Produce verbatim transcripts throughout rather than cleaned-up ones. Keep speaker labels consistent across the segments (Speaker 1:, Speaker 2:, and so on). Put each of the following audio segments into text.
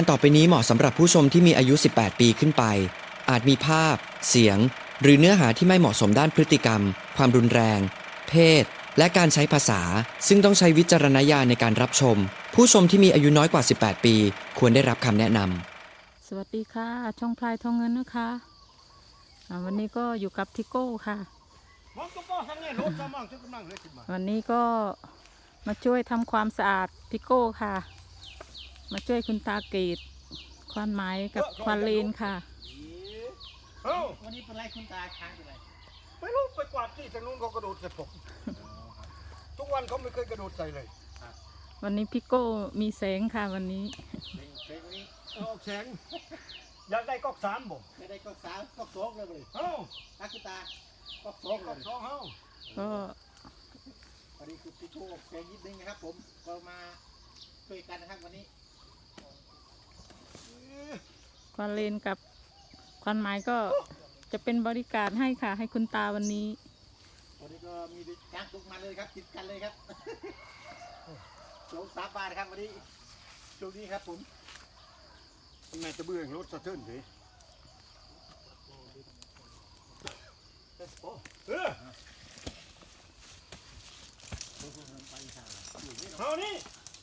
Speaker 1: ต่อไปนี้เหมาะสำหรับผู้ชมที่มีอายุ สิบแปด ปีขึ้นไป อาจมีภาพ เสียง หรือเนื้อหาที่ไม่เหมาะสมด้านพฤติกรรม ความรุนแรง เพศ และการใช้ภาษา ซึ่งต้องใช้วิจารณญาณในการรับชม ผู้ชมที่มีอายุน้อยกว่า สิบแปด ปี ควรได้รับคำแนะนำ
Speaker 2: สวัสดีค่ะ ช่องพลายทองเงินนะคะอ่าวันนี้ก็อยู่กับทิโก้ค่ะ วันนี้ก็มาช่วยทำความสะอาดทิโก้ค่ะ มาช่วยคุณตาเกตควานไม้กับควานเลนค่ะ
Speaker 3: วันนี้เป็นไรคุณตาค้างเป็นไร
Speaker 4: ไม่รู้ไปกวาดที่ทางนู้นเขากระโดดใส่ผมทุกวันเขาไม่เคยกระโดดใส่เลย
Speaker 2: วันนี้พี่โก้มีแสงค่ะวันนี้
Speaker 3: เช็ควันนี้
Speaker 4: เอาแสงอยากได้ก๊อกสามบ่
Speaker 3: ไม่ได้ก็สามก็สองเลยเลย
Speaker 4: เอ้า
Speaker 3: ตาคุณตาก็สองเล
Speaker 4: ก๊อก
Speaker 3: ย
Speaker 4: สองเอ้า
Speaker 2: ก็
Speaker 3: วันนี้คือพี่โก้แกยิดนึงนะครับผมก็มาช่วยกันนะครับวันนี้
Speaker 2: ควานเลนกับควานไม้ก็จะเป็นบริการให้ค่ะ ให้คุณตาวันนี้
Speaker 3: วันนี้ก็มีจ้างตุกมาเลยครับติดกันเลยครับโจงสามบาทครับวันนี้ช่วงนี้ครับผม
Speaker 4: แม่จะเบื่อรถสะเทือนสิเออเอานี่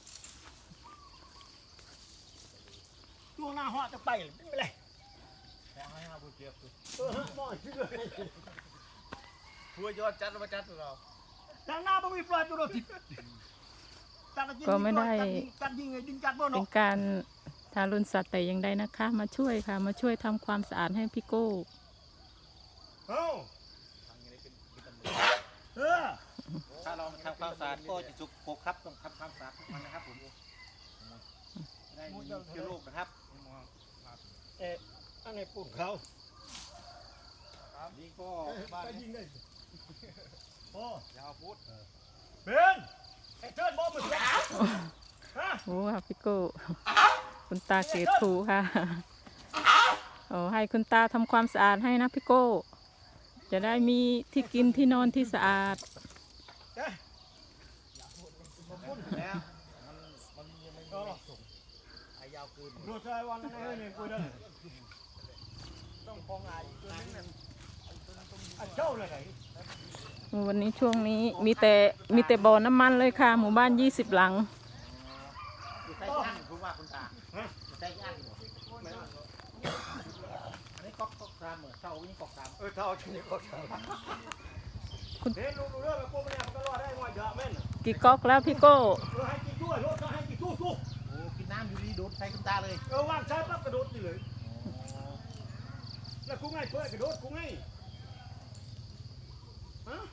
Speaker 4: ตัวหน้าหัวจะไปไม่เป็นไรเออมอยที่เลย
Speaker 3: ทัวยอดจัดมาจัดเรา
Speaker 4: แต่หน้าไม่มีปลายตัวรถติด
Speaker 2: ก็ไม่ได้
Speaker 4: จัดยิงไงดิงจัดบ่
Speaker 2: เป็น
Speaker 4: เนาะ
Speaker 2: การทารุณสัตว์แต่อย่างใดนะคะ มาช่วยค่ะ มาช่วยทำความสะอาดให้พี่โก้
Speaker 4: เอ้าเออ
Speaker 3: ถ้าเราทำความสะอาดก็จะจุกโคครับต้องทำความสะอาดทุกวันนะครับผมได้มีเชื้อโรคนะครับ
Speaker 4: เอ๊ะอันนี้ปุ่นเขา
Speaker 3: นี่ก็
Speaker 4: บ้า
Speaker 3: บ้าน น
Speaker 4: ยิ
Speaker 3: นี้
Speaker 4: งได้โอ้
Speaker 3: ยาวพุทธ
Speaker 4: เป็นไอ้เทิดบอมมันสาวฮะ
Speaker 2: โอ้ค่ะพี่โก้คุณตาเกตถูค่ะโอ้ให้คุณตาทำความสะอาดให้นะพี่โก้ จะได้มีที่กินที่นอนที่สะอาด
Speaker 4: เอ๊ะ
Speaker 3: แล้วมันมันยังไม่มีส่งอายาวเกิน
Speaker 4: รถไฟวันนั้นให้เนี่ยกูเด้อต้องคองอายตัวนี้นั่นไอ้เจ้าเลยไหน
Speaker 2: วันนี้ช่วงนี้มีแต่มีแต่บ่อน้ำมันเลยค่ะ หมู่บ้านยี่สิบหลัง
Speaker 3: อยู่ใต้ย่างคุณว่าคุณตาอยู่ใต้ย่างอยู่อันนี้ก๊อกก๊อกสามเหมือนเท่านี้ก๊อกสาม
Speaker 4: เออเท่าชนิดก็เท่าเห็นลูกเรื่องแบบพวกมันเนี่ยมันก็รอดได้หมดเยอะแม่น
Speaker 2: กี่ก๊อกแล้วพี่โก้
Speaker 4: เออให้กินด้วยรถก็ให้กินทุกทุก
Speaker 3: โอ้กินน้ำอยู่ดีโดนใส่คุณตาเลย
Speaker 4: เออวางใช้ปั๊บกระโดดสิเลยแล้วกูง่ายเพื่อกระโดดกูง่ายฮะ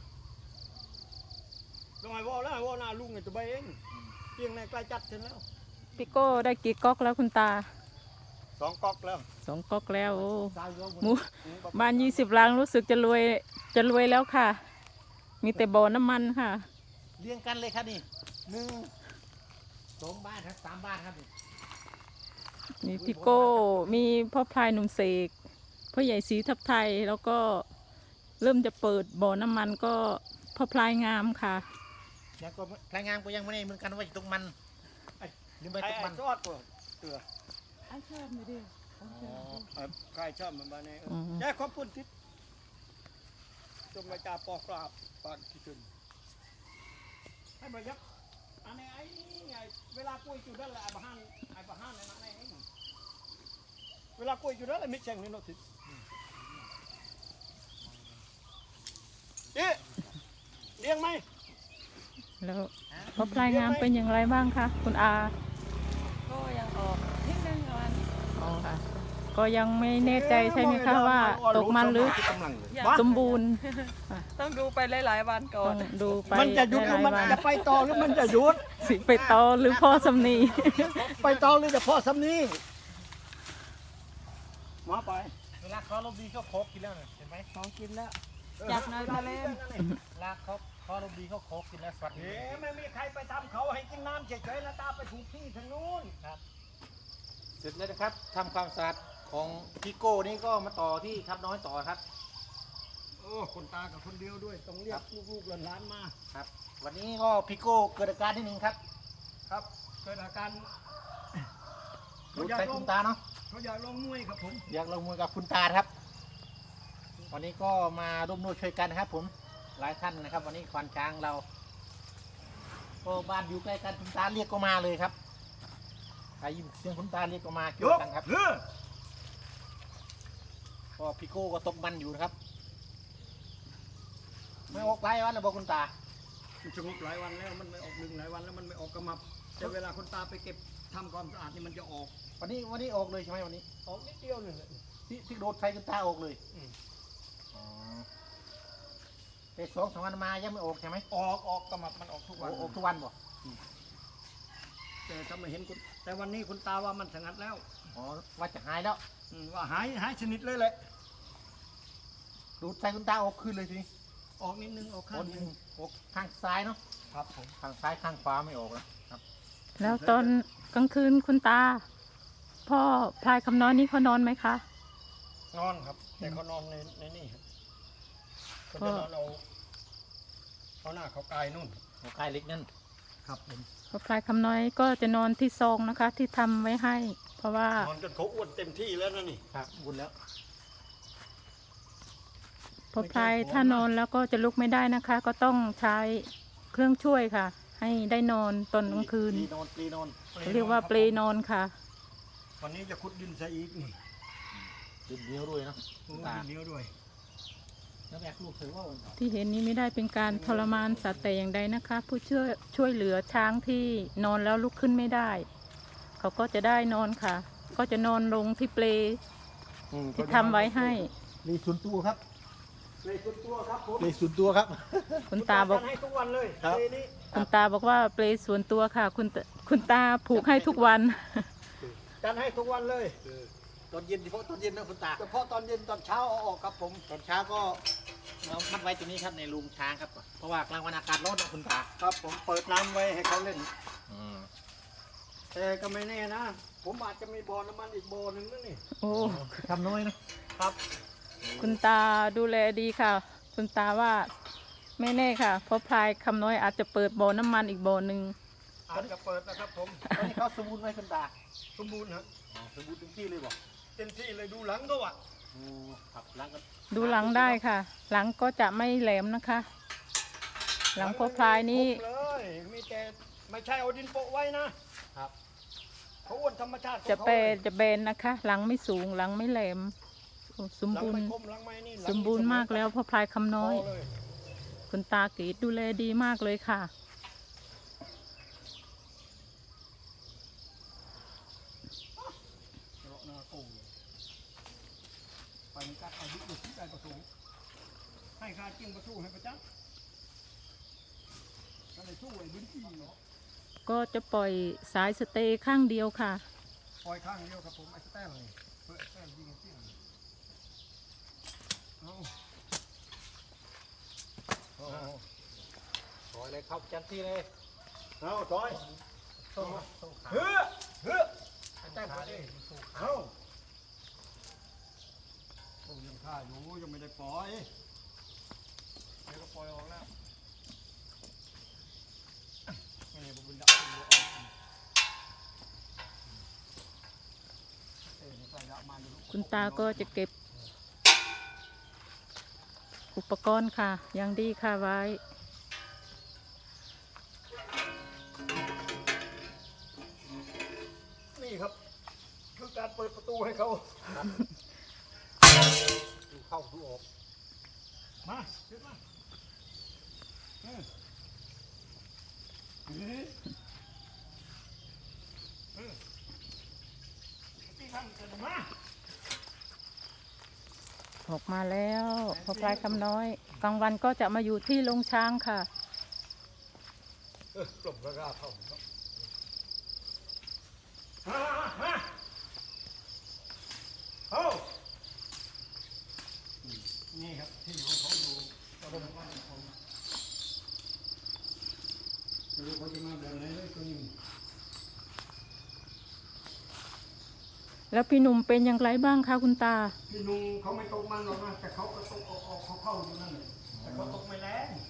Speaker 4: ลองไอ้วอลแล้วไอ้วอลหน้าลุงไอ้ตัวใบเองเพียงในใกล้จัดเสร็จแล้ว
Speaker 2: พี่โก้ได้กี่ก๊อกแล้วคุณตา
Speaker 4: สองก๊อกแล้ว
Speaker 2: สองก๊อกแล้วโอ้
Speaker 3: ตายยก
Speaker 2: หมู่บ้านยี่สิบหลังรู้สึกจะรวยจะรวยแล้วค่ะ มีแต่บ่อน้ำมันค่ะ
Speaker 3: เรียงกันเลยครับนี่หนึ่งสองบ้านครับสามบ้านครับนี่
Speaker 2: มีพี่โก้มีพ่อพลายหนุ่มเสกพ่อใหญ่ศรีทับไทยแล้วก็เริ่มจะเปิดบ่อน้ำมันก็พ่อพลายงามค่ะ
Speaker 3: ยังก็รายงานก็ยังไม่ได้เหมือนกันว่าอยู่ตรงมันไอ้ยังไม่
Speaker 4: ไอ้
Speaker 3: ตรงมัน
Speaker 4: จอดตัวเตือ
Speaker 2: ไอ้ชอบไม่ได้
Speaker 4: ใครชอบมันบ้านนี้
Speaker 2: อืม
Speaker 4: แย่ความปุ่นทิศจมมาจ่าปอกกราบปานที่ถึงให้มายักอันนี้ไอ้ไงเวลากุ้ยจุดนั่นแหละไอ้บ้านไอ้บ้านนั่นไอ้เองเวลากุ้ยจุดนั่นแหละมิแจงนี่โนติเอ๊ะเลี้ยงไหม
Speaker 2: แล้วพ่อพลายงามเป็นอย่างไรบ้างคะคุณอา
Speaker 5: ก็ยังออกนิดนึงประมาณ
Speaker 2: อ๋อค่ะ ก็ยังไม่แน่ใจใช่ไหมคะว่าตกมันหรือสมบูรณ์
Speaker 5: ต้องดูไปหลายๆวันก่อ
Speaker 2: ต้
Speaker 5: น
Speaker 2: องดูไป
Speaker 4: มันจะหยุดหรือมัน
Speaker 2: หลายๆ
Speaker 4: จะ
Speaker 2: วัน
Speaker 4: ไปต่อหรือมันจะหยุด
Speaker 2: สิไปต่อหรือพ่อสำนี
Speaker 4: ไปต่อหรือจะพอสำนี้มาไป
Speaker 3: เวลาเขาลมดีเขาโคกกินแล้วเนี่ยเห็นไหม
Speaker 5: ของกินแล้ว จับหน่อยมาเล่น
Speaker 3: เวลาเขาเขาลมดีเขาโคกกินแล้วสวัสดี
Speaker 4: เอ๊ะไม่มีใครไปทำเขาให้กินน้ำเฉยๆแล้วตาไปถูกที่ทางนู้น
Speaker 3: ครับเสร็จแล้วนะครับทำความสะอาดของพี่โก้นี่ก็มาต่อที่ทับน้อยต่อครับ
Speaker 4: โอ้คนตากับคนเดียวด้วยต้องเรียกลูกๆหลานๆมา
Speaker 3: ครับ วันนี้ก็พี่โก้เกิดอาการนิดนึงครับ
Speaker 4: ครับเกิดอาการ
Speaker 3: ดูใส่คุณตาเนาะ
Speaker 4: เขาอยากลงมวยครับผม
Speaker 3: อยากลงมือกับคุณตาครับ วันนี้ก็มาร่วมด้วยช่วยกันนะครับ ผมหลายท่านนะครับ วันนี้ควานช้างเราก็บ้านอยู่ใกล้กันคุณตาเรียกก็มาเลยครับใครยินเสียงคุณตาเรียกก็มาช่วยกันครับ
Speaker 4: เออ
Speaker 3: ก็พี่โก้ก็ตกมันอยู่นะครับไม่ออกหลายวันแล้วบอกคุณตา
Speaker 4: มันสงบหลายวันแล้วมันไม่ออกหนึ่งหลายวันแล้วมันไม่ออกกระมับแต่เวลาคนตาไปเก็บทำความสะอาดนี่มันจะออก
Speaker 3: วันนี้วันนี้ออกเลยใช่ไหมวันนี้
Speaker 4: ออกนิดเดียวหนึ่ง
Speaker 3: ที่ที่โดดใส่คุณตาออกเลย
Speaker 4: อืม
Speaker 3: อ๋อแต่สองสามวันมายังไม่ออกใช่ไหม
Speaker 4: ออกออกกระมับมันออกทุกวัน
Speaker 3: ออกทุกวันบ่
Speaker 4: แต่ถ้าไม่เห็นคุณแต่วันนี้คุณตาว่ามันสงัดแล้ว
Speaker 3: อ๋อว่าจะหายแล้ว
Speaker 4: อืมว่าหายหายชนิดเลยแหละ
Speaker 3: ดูดใส่คุณตาออกคืนเลยทีนี้
Speaker 4: ออกนิดนึงออก
Speaker 3: อ
Speaker 4: ข้า
Speaker 3: อง ก
Speaker 4: หนึง
Speaker 3: ออกข้างซ้ายเนาะ
Speaker 4: ครับผม
Speaker 3: ข้างซ้ายข้างขวาไม่ออกแล้วครับ
Speaker 2: แล้วตอนกลางคืนคุณตา พ่อพลายคำน้อยนี่เขานอนไหมคะ
Speaker 4: นอนครับ แต่เขานอนในในนี่ครับเขา
Speaker 2: ก็
Speaker 4: จะนอนเอาเขาหน้าเขากายนู่น
Speaker 3: หัวใกล้เล็กนั่น
Speaker 4: ครับผม
Speaker 2: พ่อพลายคำน้อยก็จะนอนที่ซองนะคะ ที่ทำไว้ให้ เพราะว่า
Speaker 4: นอนจนเขาอ้วนเต็มที่แล้วนะนี่
Speaker 3: ครับบุญแล้ว
Speaker 2: พ่อพลายถ้านอนแล้วก็จะลุกไม่ได้นะคะ ก็ต้องใช้เครื่องช่วยค่ะ ให้ได้นอนตอนกลางคืน
Speaker 3: ปลีนอนปลีนอน
Speaker 2: เรียกว่าเปลนอนค่ะ
Speaker 4: วันนี้จะขุดดินซะอีกนี่
Speaker 3: ดินเหนียวด้วยเนาะ
Speaker 4: โอ้
Speaker 3: ตา
Speaker 4: ดินเหนียวด้วย
Speaker 3: แล้วแม่ลูกเธอว่าวันก่อน
Speaker 2: ที่เห็นนี้ไม่ได้เป็นการทรมานสัตว์แต่อย่างใดนะคะ ผู้ช่วยช่วยเหลือช้างที่นอนแล้วลุกขึ้นไม่ได้ เขาก็จะได้นอนค่ะ ก็จะนอนลงที่เปลที่ทำไว้ให้
Speaker 3: ปลีส่วนตัวครับ
Speaker 4: เลยคุณตัวครับผม
Speaker 3: ปลีส่วนตัวครับ
Speaker 2: คุณตาบอก
Speaker 4: จัดให้ทุกวันเลย
Speaker 3: ครับ
Speaker 4: เลนี้
Speaker 2: คุณตาบอกว่าเปลส่วนตัวค่ะ คุณตคุณตาผูกให้ทุกวัน
Speaker 4: จัดให้ทุกวันเลย
Speaker 3: ตอนเย็นเฉพาะตอนเย็นนะคุณตา
Speaker 4: เฉพาะตอนเย็นตอนเช้าเอาออกครับผม
Speaker 3: ตอนเช้าก็เรามัดไว้ตรงนี้ครับในลุงช้างครับ เพราะว่ากลางวันอากาศร้อนนะคุณตา
Speaker 4: ครับผมเปิดน้ำไว้ให้เขาเล่น
Speaker 3: อืม
Speaker 4: แต่ก็ไม่แน่นะ ผมอาจจะมีบ่อน้ำมันอีกบ่อหนึ่งนั่นนี่
Speaker 2: โอ้
Speaker 3: ทำน้อยนะครับ
Speaker 2: คุณตาดูแลดีค่ะ คุณตาว่าไม่แน่ค่ะ เพราะพลายคำน้อยอาจจะเปิดบ่อน้ำมันอีกบ่อหนึ่ง
Speaker 4: อาจจะเปิดนะครับผม
Speaker 3: ตอนนี้เขาสมบูรณ์ไหมคุณตา
Speaker 4: สมบูรณ์ฮะ
Speaker 3: อ๋อสมบูรณ์เต็มที่เลยบอก
Speaker 4: เต็มที่เลยดูหลังก็ว่ะ
Speaker 3: โอ้ครับหล้างกัน
Speaker 2: ดูหลังได้ค่ะ หลังก็จะไม่แหลมนะคะ หลังพ่อพลายนี่
Speaker 4: ครบเลยมีแต่ไม่ใช่เอาดินโปะไว้นะครับ เขาอ้วนธรรมชาติของ
Speaker 2: จะ
Speaker 4: ขา
Speaker 2: เป
Speaker 4: ลย
Speaker 2: จะเบนนะคะ หลังไม่สูงหลังไม่แหลมโอ้สม
Speaker 4: หลัง
Speaker 2: บูร
Speaker 4: ไม่
Speaker 2: ณ์
Speaker 4: คมหลังไม่นี่หลัง
Speaker 2: สมบูรณ์มากแล้วพ่อพลายคำน้อย
Speaker 4: พอเลย
Speaker 2: คุณตากรีดดูแลดีมากเลยค่ะ
Speaker 4: เลาะหน้าโก่งเลยไปมันกัดเอาดิบดูสิได้ประตูให้ข้าจิ้งประตูให้ประจักษ์ก็เลยสู้ไอ้บุญที่เนาะ
Speaker 2: ก็จะปล่อยสายสเตย์ข้างเดียวค่ะ
Speaker 4: ปล่อยข้างเดียวครับผมไอ้สแตนเลยเปิดสแตนยิงเตี้ยงเอา
Speaker 3: โอ้ถอยเลยครับจันที่เลย
Speaker 4: เอาถอย
Speaker 3: สู้สู้ขา
Speaker 4: เฮ้อเฮ้อไอ้แตน
Speaker 3: ขา
Speaker 4: มา
Speaker 3: เล
Speaker 4: ดิ
Speaker 3: ยสู้ขา
Speaker 4: เอาโอ้ยังฆ่าอยู่ยังไม่ได้ปล่อยเดี๋ยวก็ปล่อยออกแล้วนี่บุญดับบุญดับเอ้ยไม่ใส่ดับมาดู
Speaker 2: คุณตาก็จะเก็บ อุปกรณ์ค่ะยังดีค่ะไว้
Speaker 4: นี่ครับคือการเปิดประตูให้เขา
Speaker 3: ดูเข้าดูออก
Speaker 4: มาขึ้นมาเออเฮ้ยเออที่ทำกันมา
Speaker 2: ออกมาแล้วพอพลายคำน้อย กลางวันก็จะมาอยู่ที่โรงช้างค่ะ
Speaker 4: เออกลมกระราเข้าครับมามาเอานี่ครับที่ของเขาอยู่ตะบนบ้านของไม่รู้เขาจะมาแบบไหนเลยตัวนี้
Speaker 2: แล้วพี่หนุ่มเป็นอย่างไรบ้างคะคุณตา
Speaker 4: พี่นุ่งเขาไม่ตกมันหรอกนะแต่เขาก็ตกออกออกเขาเข้าอยู่นั่นเลยแต่เขาตกไม่แรง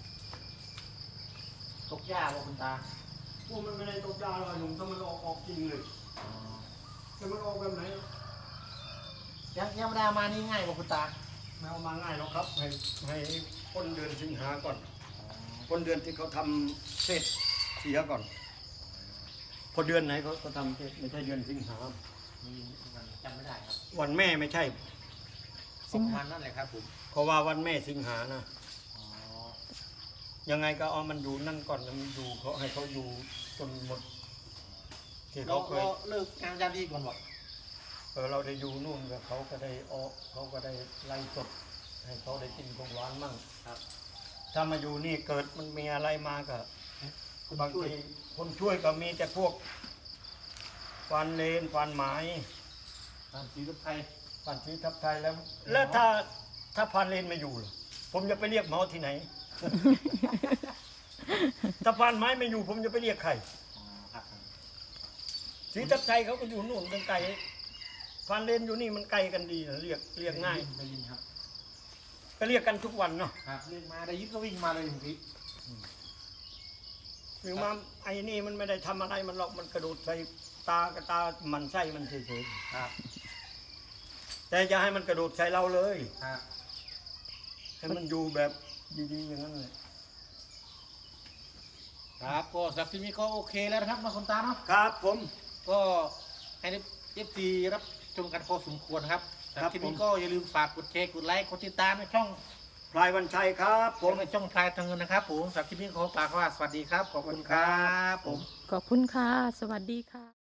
Speaker 3: ตกหญ้าบอกคุณตา
Speaker 4: พวกมันไม่ได้ตกยาหรอกหนุ่มถ้ามันออกออกจริงเลย
Speaker 3: อ๋อ
Speaker 4: จะมันออกแบบไหน
Speaker 3: ยังยังไม่ได้เอามานี่ง่ายกว่าคุณตา
Speaker 4: ไม่เอามาง่ายหรอกครับ ให้ให้พ้นเดือนสิงหาก่อนพ้นเดือนที่เขาทำเสร็จเสียก่อน พอเดือนไหนเขาเขาทำเสร็จไม่ใช่เดือนสิงหา
Speaker 3: มีมันจำไม่ได้ครับ
Speaker 4: วันแม่ไม่ใช่
Speaker 3: ประมาณนั่นแหละครับผม
Speaker 4: เพราะว่าวันแม่สิงหานะ
Speaker 3: อ๋อ
Speaker 4: ยังไงก็เอามันอยู่นั่นก่อนนะมันอยู่เขาให้เขาอยู่จนหมดที่
Speaker 3: เรา
Speaker 4: เขาเคย
Speaker 3: เราเลิกงานยามดีก่อนบอก
Speaker 4: เออเราได้อยู่นู่นกับเขาก็ได้ออกเขาก็ได้ไล่สดให้เขาได้กินของหวานมั่ง
Speaker 3: ครับ
Speaker 4: ถ้ามาอยู่นี่เกิดมันมีอะไรมาก็
Speaker 3: คุณ
Speaker 4: บาง
Speaker 3: ช่วย
Speaker 4: ทีคนช่วยก็มีแต่พวกฟันเลนฟันหมาย
Speaker 3: ตามสีรถไทย
Speaker 4: ฟันชีทับไทยแล้ว แล้วถ้าถ้าฟันเลนไม่อยู่ล่ะผมจะไปเรียกหมอที่ไหน ถ้าฟันไม้ไม่อยู่ ผมจะไปเรียกใคร
Speaker 3: อ๋อครับ
Speaker 4: สีทับไทยเขาก็อยู่นู่นกันไกลฟันเลนอยู่นี่มันไกลกันดีนะเรียกเรียกง่าย
Speaker 3: ได้ยินครับ
Speaker 4: ก็เรียกกันทุกวันเนาะ
Speaker 3: ครับเรียกมาได้ยินก็วิ่งมาเลยบางที
Speaker 4: หรือมาไอ้นี่มันไม่ได้ทำอะไรมันหรอกมันกระโดดใส่ตากระตามันไส้มันเฉย
Speaker 3: ครับ
Speaker 4: ๆแต่จะให้มันกระโดดใส่เราเลย
Speaker 3: ครับ
Speaker 4: ให้มันอยู่แบบดีๆอย่างนั้นเลย
Speaker 3: ครับก็สำหรับที่นี้ก็โอเคแล้วนะครับมาคุณตาเนาะ
Speaker 4: ครับผม
Speaker 3: ก็ให้เอฟซีรับชมกันพอสมควรครับสำห
Speaker 4: ครั
Speaker 3: รับบ ที่นี้
Speaker 4: ผม
Speaker 3: ก็อย่าลืมฝากกดแชร์กดไลค์กดติดตามในช่อง
Speaker 4: พลายวันชัยครับผ
Speaker 3: ผม มในช่องพลายทางเงินนะครับผมสำหรับที่นี้ขอฝากว่าสวัสดีครับขอบคุณครับผม
Speaker 2: ขอบคุณค่ะ สวัสดีค่ะ